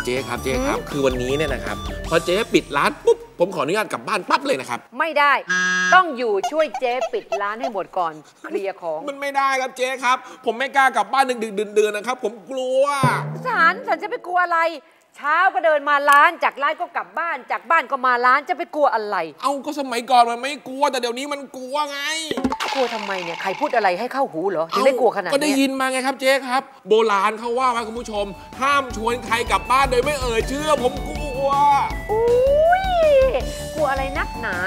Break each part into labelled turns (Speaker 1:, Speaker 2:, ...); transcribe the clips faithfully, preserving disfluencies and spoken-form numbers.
Speaker 1: เจ๊ครับเจ๊ครับคือวันนี้เนี่ยนะครับพอเจ๊ปิดร้านปุ๊บผมขออนุญาตกลับบ้านปั๊บเลยนะครับ
Speaker 2: ไม่ได้ต้องอยู่ช่วยเจ๊ปิดร้านให้หมดก่อนเคลียร์ของ
Speaker 1: มันไม่ได้ครับเจ๊ครับผมไม่กล้ากลับบ้านดึกๆดื่นๆนะครับผมกลัว
Speaker 2: ฉันฉันจะไปกลัวอะไรเช้าก็เดินมาร้านจากร้านก็กลับบ้านจากบ้านก็มาร้านจะไปกลัวอะไร
Speaker 1: เอ้าก็สมัยก่อนมันไม่กลัวแต่เดี๋ยวนี้มันกลัวไง
Speaker 2: กลัวทำไมเนี่ยใครพูดอะไรให้เข้าหูเหรอถึงได้กลัวขนาดนี้
Speaker 1: ก็ได้ยินมาไงครับเจ๊ครับโบราณเขาว่าไว้คุณผู้ชมห้ามชวนใครกลับบ้านโดยไม่เอ่ยชื่อผมกลัว
Speaker 2: อุ้ยกลัวอะไรนักหนา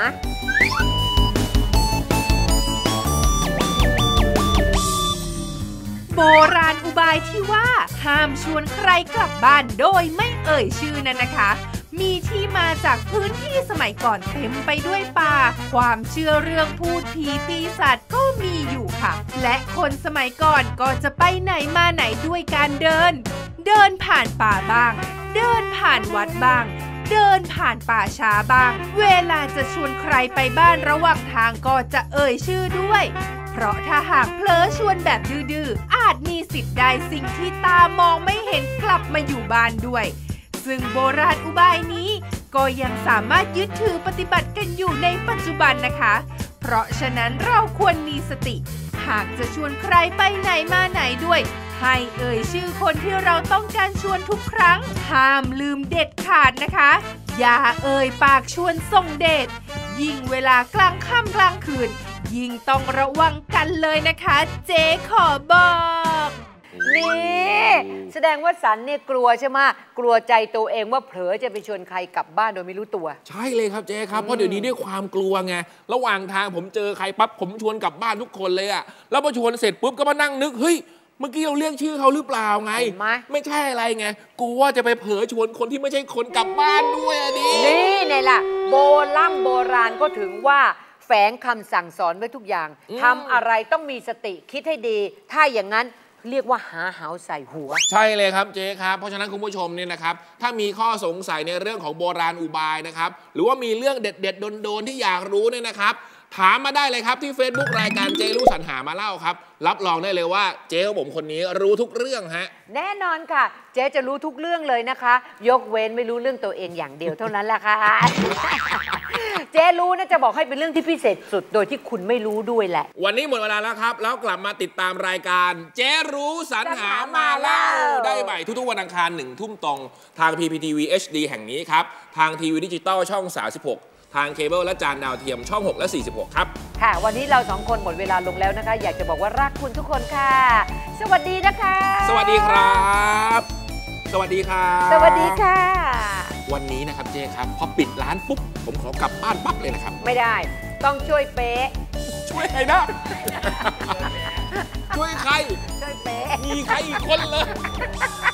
Speaker 3: โบราณอุบายที่ว่าห้ามชวนใครกลับบ้านโดยไม่เอ่ยชื่อนั้นนะคะมีที่มาจากพื้นที่สมัยก่อนเต็มไปด้วยป่าความเชื่อเรื่องพูดผีปีศาจก็มีอยู่ค่ะและคนสมัยก่อนก็จะไปไหนมาไหนด้วยการเดินเดินผ่านป่าบ้างเดินผ่านวัดบ้างเดินผ่านป่าช้าบ้างเวลาจะชวนใครไปบ้านระหว่างทางก็จะเอ่ยชื่อด้วยเพราะถ้าหากเผลอชวนแบบดื้อๆอาจมีสิทธิ์ได้สิ่งที่ตามองไม่เห็นกลับมาอยู่บ้านด้วยซึ่งโบราณอุบายนี้ก็ยังสามารถยึดถือปฏิบัติกันอยู่ในปัจจุบันนะคะเพราะฉะนั้นเราควรมีสติหากจะชวนใครไปไหนมาไหนด้วยให้เอ่ยชื่อคนที่เราต้องการชวนทุกครั้งห้ามลืมเด็ดขาดนะคะอย่าเอ่ยปากชวนส่งเดชยิ่งเวลากลางค่ำกลางคืนยิ่งต้องระวังกันเลยนะคะเจ๊ขอบอก
Speaker 2: นี่แสดงว่าสันเนี่ยกลัวใช่ไหมกลัวใจตัวเองว่าเผลอจะไปชวนใครกลับบ้านโดยไม่รู้ตัว
Speaker 1: ใช่เลยครับเจ๊ครับเพราะเดี๋ยวนี้ด้วยความกลัวไงระหว่างทางผมเจอใครปั๊บผมชวนกลับบ้านทุกคนเลยอะแล้วพอชวนเสร็จปุ๊บก็มานั่งนึกเฮ้ยเมื่อกี้เราเรียกชื่อเขาหรือเปล่าไงไม่ใช่อะไรไงกลัวจะไปเผลอชวนคนที่ไม่ใช่คนกลับบ้านด้วยอ่ะดิ
Speaker 2: นี่ไงล่ะโบราณโบราณก็ถึงว่าแฝงคำสั่งสอนไว้ทุกอย่างทำอะไรต้องมีสติคิดให้ดีถ้าอย่างนั้นเรียกว่าหาหาวใส่หัว
Speaker 1: ใช่เลยครับเจ๊ครับเพราะฉะนั้นคุณผู้ชมเนี่ยนะครับถ้ามีข้อสงสัยในเรื่องของโบราณอุบายนะครับหรือว่ามีเรื่องเด็ดๆโดนๆที่อยากรู้เนี่ยนะครับถามมาได้เลยครับที่ Facebook รายการเจ๊รู้สรรหามาเล่าครับรับรองได้เลยว่าเจ๊ของผมคนนี้รู้ทุกเรื่องฮะ
Speaker 2: แน่นอนค่ะเจ๊จะรู้ทุกเรื่องเลยนะคะยกเว้นไม่รู้เรื่องตัวเองอย่างเดียวเท่านั้นแหละค่ะ เจ๊รู้นะจะบอกให้เป็นเรื่องที่พิเศษสุดโดยที่คุณไม่รู้ด้วยแหละ
Speaker 1: วันนี้หมดเวลาแล้วครับแล้วกลับมาติดตามรายการเจ๊รู้สรรหามาเล่าได้ใหม่ทุกๆวันอังคารหนึ่งทุ่มตรงทาง พี พี ที วี เอช ดี แห่งนี้ครับทางทีวีดิจิตอลช่องสามสิบหกทางเคเบิลและจานดาวเทียมช่องหกและสี่สิบหกครับ
Speaker 2: ค่ะวันนี้เราสองคนหมดเวลาลงแล้วนะคะอยากจะบอกว่ารักคุณทุกคนค่ะสวัสดีนะคะ
Speaker 1: สวัสดีครับสวัสดีครับ
Speaker 2: สวัสดีค่ะ
Speaker 1: วันนี้นะครับเจ๊ครับพอปิดร้านปุ๊บผมขอกลับบ้านปั๊บเลยนะครับ
Speaker 2: ไม่ได้ต้องช่วยเป๊ะ
Speaker 1: ช่วยใครนะช่วยใคร
Speaker 2: ช่วยเป๊ะ
Speaker 1: มีใครอีกคนเลย